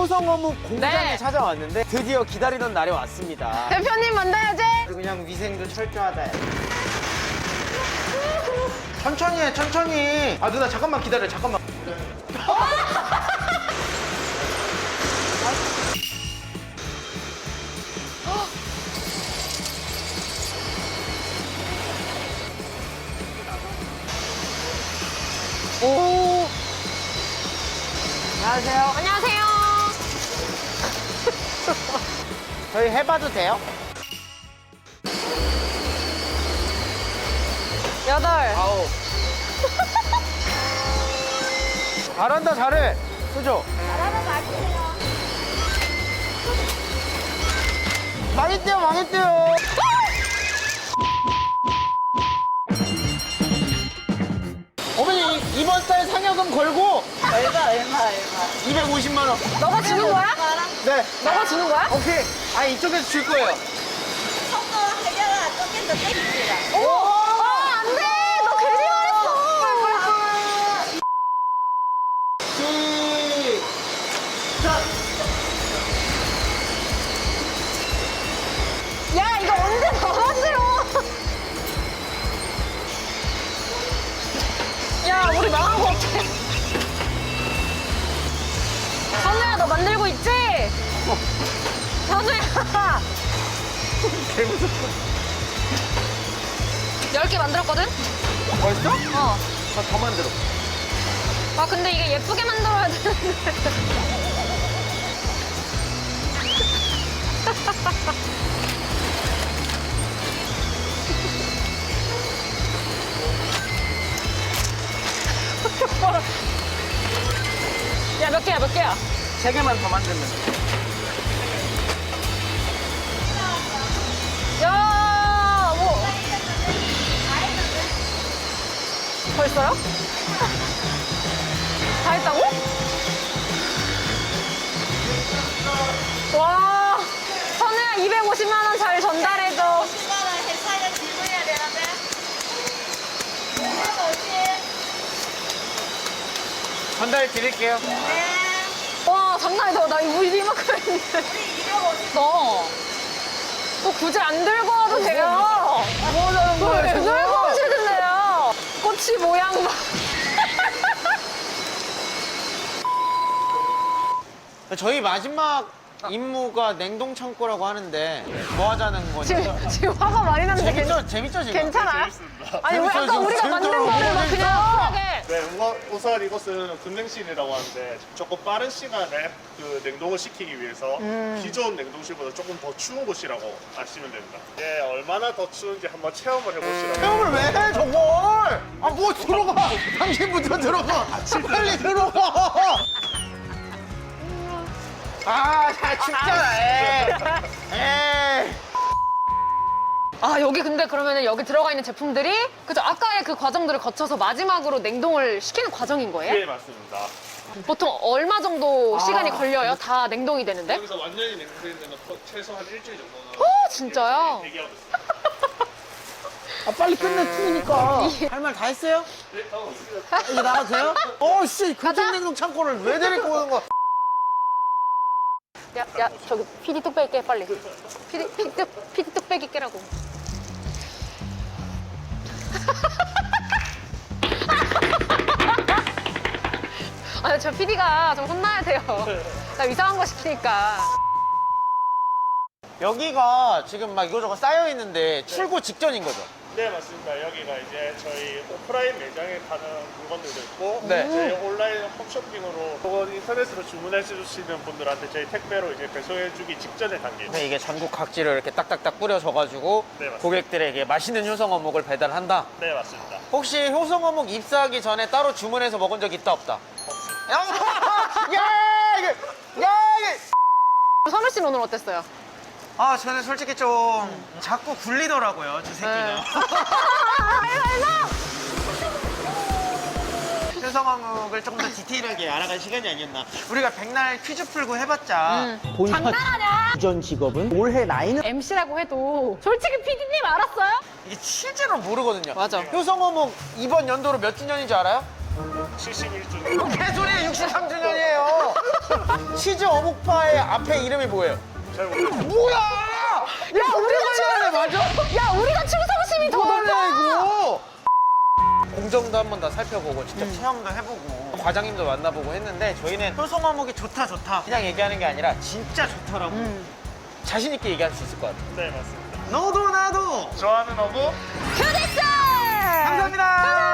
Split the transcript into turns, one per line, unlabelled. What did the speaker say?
효성어묵 공장에
네.
찾아왔는데 드디어 기다리던 날이 왔습니다.
대표님 만나야지.
그냥 위생도 철저하다. 천천히 해, 천천히. 아, 누나 잠깐만 기다려, 잠깐만.
오.
안녕하세요.
안녕하세요.
저희 해봐도 돼요?
8.
아홉. 잘한다, 잘해. 그죠?
잘하는 거 아니에요.
망했대요, 망했대요. 어머니, 이번 달 상여금 걸고
얼마.
250만 원.
너가 주는 거야?
네.
너가 주는 거야?
오케이. 아니, 이쪽에서 줄 거예요.
속도 하려가 조금 더 땡깁니다.
어머! 아, 안 돼! 너 괜히 말했어!
시작.
야, 이거 언제 더 만들어? 야, 우리 망한 거 같아. 선우야, 너 만들고 있지? 선우야!
개무섭다.
10개 만들었거든?
벌써?
어.
아, 더 만들어.
아, 근데 이게 예쁘게 만들어야 되는데. 야, 몇 개야, 몇 개야?
3개만 더 만들면 돼.
야, 뭐. 벌써요? 다 했다고? 와, 선우야 250만 원 잘 전달해줘.
10만 원 회사에 질문해야 되는데. 250.
전달 드릴게요.
네.
와, 장난 아니다. 나 이거 이만큼 했는데.
우리 250.
또 굳이 안 들고 와도 돼요.
뭐 하자는 거예요,
왜
지금?
들고 오시는데요? 꼬치 모양 봐.
저희 마지막 임무가 냉동 창고라고 하는데 뭐 하자는 거죠?
지금 화가 많이 났는데
재밌죠 지금?
괜찮아요? 아니, 왜
재밌어요,
아까
지금.
우리가 만든
재밌어요.
거를 막
재밌어요.
그냥 쿨하게.
네, 우선 이것은 급냉실이라고 하는데 조금 빠른 시간에 그 냉동을 시키기 위해서 기존 냉동실보다 조금 더 추운 곳이라고 아시면 됩니다. 예, 얼마나 더 추운지 한번 체험을 해보시라고.
체험을 왜 해 저걸? 아 뭐 들어가? 당신부터 들어가. 빨리 들어가. 아, 잘 춥잖아. 에이.
아, 여기 근데 그러면은 여기 들어가 있는 제품들이 그죠? 아까의 그 과정들을 거쳐서 마지막으로 냉동을 시키는 과정인 거예요?
예, 맞습니다.
보통 얼마 정도 시간이 걸려요? 다 냉동이 되는데?
여기서 완전히 냉동되는 데는 최소한 일주일 정도는
어, 진짜요?
대기하고 있습니다.
아 빨리 끝내 추우니까. 할 말 다 했어요?
네, 하고 있습니다.
이제 나가도 돼요? 씨,
가자.
급냉동 창고를 왜 데리고 오는 거야?
야, 저기 PD 뚝배기 깨, 빨리. PD 뚝배기 깨라고. 아니, 저 PD가 좀 혼나야 돼요. 나 이상한 거 시키니까.
여기가 지금 막 이거저거 쌓여 있는데 출고 직전인 거죠?
네, 맞습니다. 여기가 이제 저희 오프라인 매장에 파는 물건들도 있고
네.
저희 온라인 홈쇼핑으로 혹은 인터넷으로 주문해 주시는 분들한테 저희 택배로 이제 배송해 주기 직전의 단계.
근데 이게 전국 각지로 이렇게 딱딱딱 뿌려져가지고
네, 맞습니다.
고객들에게 맛있는 효성 어묵을 배달한다?
네, 맞습니다.
혹시 효성 어묵 입사하기 전에 따로 주문해서 먹은 적 있다 없다? 야, 이게.
선우 씨는 오늘 어땠어요?
아, 저는 솔직히 좀 자꾸 굴리더라고요, 저 새끼가. 효성 어묵을 조금 더 디테일하게 알아갈 시간이 아니었나. 우리가 백날 퀴즈 풀고 해봤자
장난하냐?
이전 직업은 올해 나이는
MC라고 해도 솔직히 PD님 알았어요?
이게 실제로 모르거든요.
맞아.
효성 어묵 이번 연도로 몇 주년인지 알아요?
71주년.
개소리야 63주년이에요. 치즈 어묵파의 앞에 이름이 뭐예요?
잘 모르겠어요.
뭐야? 야 우리가 말해 맞아?
야, 우리가 충성심이 더
뭐하냐
높아.
이거? 공정도 한 번 더 살펴보고 직접 체험도 해보고 과장님도 만나보고 했는데 저희는 효성 어묵이 좋다 그냥 얘기하는 게 아니라 진짜 좋더라고. 자신 있게 얘기할 수 있을 것 같아.
네, 맞습니다.
너도 나도
좋아하는 어묵.
휴대폰!
감사합니다.